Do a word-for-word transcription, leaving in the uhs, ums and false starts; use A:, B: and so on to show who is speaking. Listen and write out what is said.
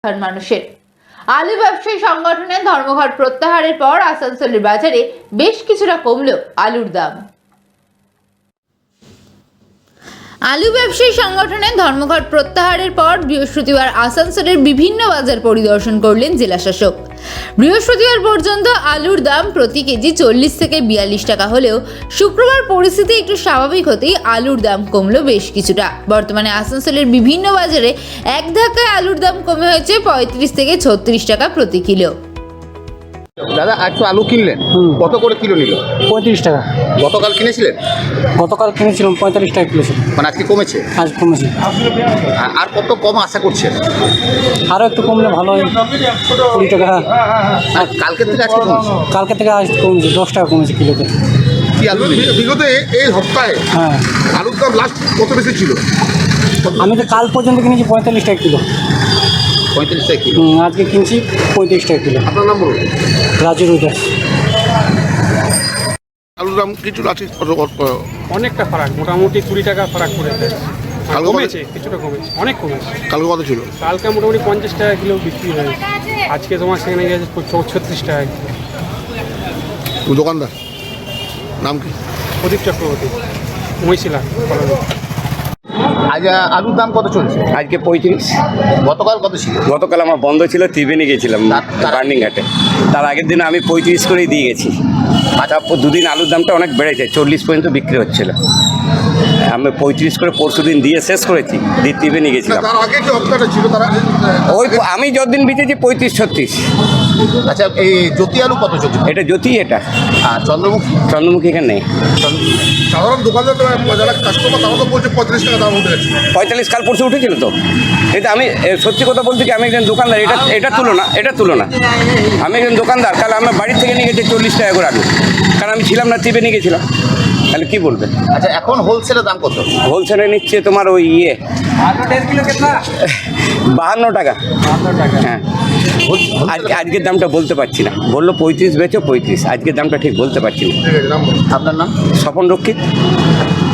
A: সাধারণ মানুষের। আলু ব্যবসায়ী সংগঠনের ধর্মঘট প্রত্যাহারের পর আসানসোলের বাজারে বেশ কিছুটা কমলো আলুর দাম। আলু ব্যবসায়ী সংগঠনের ধর্মঘট প্রত্যাহারের পর বৃহস্পতিবার আসানসোলের বিভিন্ন বাজার পরিদর্শন করলেন জেলাশাসক। বৃহস্পতিবার পর্যন্ত আলুর দাম প্রতি কেজি চল্লিশ থেকে বিয়াল্লিশ টাকা হলেও শুক্রবার পরিস্থিতি একটু স্বাভাবিক হতেই আলুর দাম কমলো বেশ কিছুটা। বর্তমানে আসানসোলের বিভিন্ন বাজারে এক ধাক্কায় আলুর দাম কমে হয়েছে পঁয়ত্রিশ থেকে ছত্রিশ টাকা প্রতি কিলো।
B: দাদা আজ তো আলু কিনলেন, কত করে কিলো নিল?
C: পঁয়ত্রিশ টাকা।
B: গতকাল কিনেছিলেন?
C: গতকাল কিনেছিলাম পঁয়তাল্লিশ টাকা কিলো ছিল,
B: মানে আজকে কমেছে?
C: আজ কমেছে।
B: আ- আর কত কম আশা করছেন?
C: আরও একটু কমলে ভালো হয়, কুড়ি টাকা।
B: আর কালকে থেকে আজকে কমেছে?
C: কালকে থেকে আজ কমেছে, দশ টাকা কমেছে কিলোতে।
B: কি আলু নিলেন?
D: বিগত এ- এই সপ্তাহে
C: হ্যাঁ,
D: আলুর দাম লাস্ট কত বেশি ছিল?
C: আমি তো কাল পর্যন্ত কিনেছি পঁয়তাল্লিশ টাকা কিলো,
B: পঁয়ত্রিশ টাকা কিলো।
C: হুম, আজকে কিনছি পঁয়ত্রিশ টাকা কিলো।
D: আপনার নাম বলুন।
C: রাজু রুদাস।
D: আলুর দাম কিছু আছে কত কত?
E: অনেকটা ফারাক, মোটামুটি কুড়ি টাকা ফারাক পড়েছে।
D: কালকে
E: কমেছে, কিছুটা কমেছে, অনেক কমেছে।
D: কালকে কত ছিল?
E: কালকে মোটামুটি পঞ্চাশ টাকা কিলো বিক্রি হয়েছে, আজকে তোমার সেখানে গেছে ছত্রিশ টাকা কিলো।
D: তুমি দোকানদার, নাম কি?
E: প্রদীপ চক্রবর্তী, মহিশিলা কলোনি।
B: আজ আ, আলুর দাম কত চলছে?
F: আজকে পঁয়ত্রিশ।
B: গতকাল কত ছিল?
F: গতকাল আমার বন্ধ ছিল, ত্রিবেণী গেছিলাম
B: তার- তার-
F: বার্নিং ঘাটে। তার আগের দিন আমি পঁয়ত্রিশ করেই দিয়ে গেছি। তারপর দুদিন আলুর দামটা অনেক বেড়েছে, চল্লিশ পর্যন্ত বিক্রি হচ্ছিল। আমি পঁয়ত্রিশ করে পরশু দিন দিয়ে শেষ করেছি, দিয়ে ত্রিবেণী
D: না,
F: গেছিলাম।
D: তার আগে যে হপ্তাহটা ছিল তারা
F: ওই আমি যতদিন বিচেছি পঁয়ত্রিশ ছত্রিশ।
B: আচ্ছা, এই জ্যোতি আলু কত চলছে?
F: এটা জ্যোতি, এটা
B: আর চন্দ্রমুখী?
F: চন্দ্রমুখী এখানে নেই।
D: সাধারণ দোকানদার তারা যারা কাস্টমার তারা তো বলছে পঁয়ত্রিশ টাকা দাম উঠে গেছে।
F: পঁয়তাল্লিশ কাল পরশু উঠেছিল তো। কিন্তু আমি এ, সত্যি কথা বলতে কি, আমি একজন দোকানদার, এটা এটা তুলনা এটা তুলনা আমি একজন দোকানদার। কাল আমার বাড়ির থেকে নিয়ে গেছে চল্লিশ টাকা করে আলু, কারণ আমি ছিলাম না, ত্রিবেণী গেছিলাম। তাহলে কী বলবে?
B: আচ্ছা, এখন হোলসেলের দাম কত?
F: হোলসেলে নিচ্ছে তোমার ওই ইয়ে বাহান্ন টাকা। হ্যাঁ, আজকে আজকের দামটা বলতে পারছি না। বললো পঁয়ত্রিশ বেচো পঁয়ত্রিশ, আজকের দামটা ঠিক বলতে পারছি না।
D: ঠিক আছে, নাম বলুন।
B: আপনার নাম?
F: স্বপন রক্ষিত।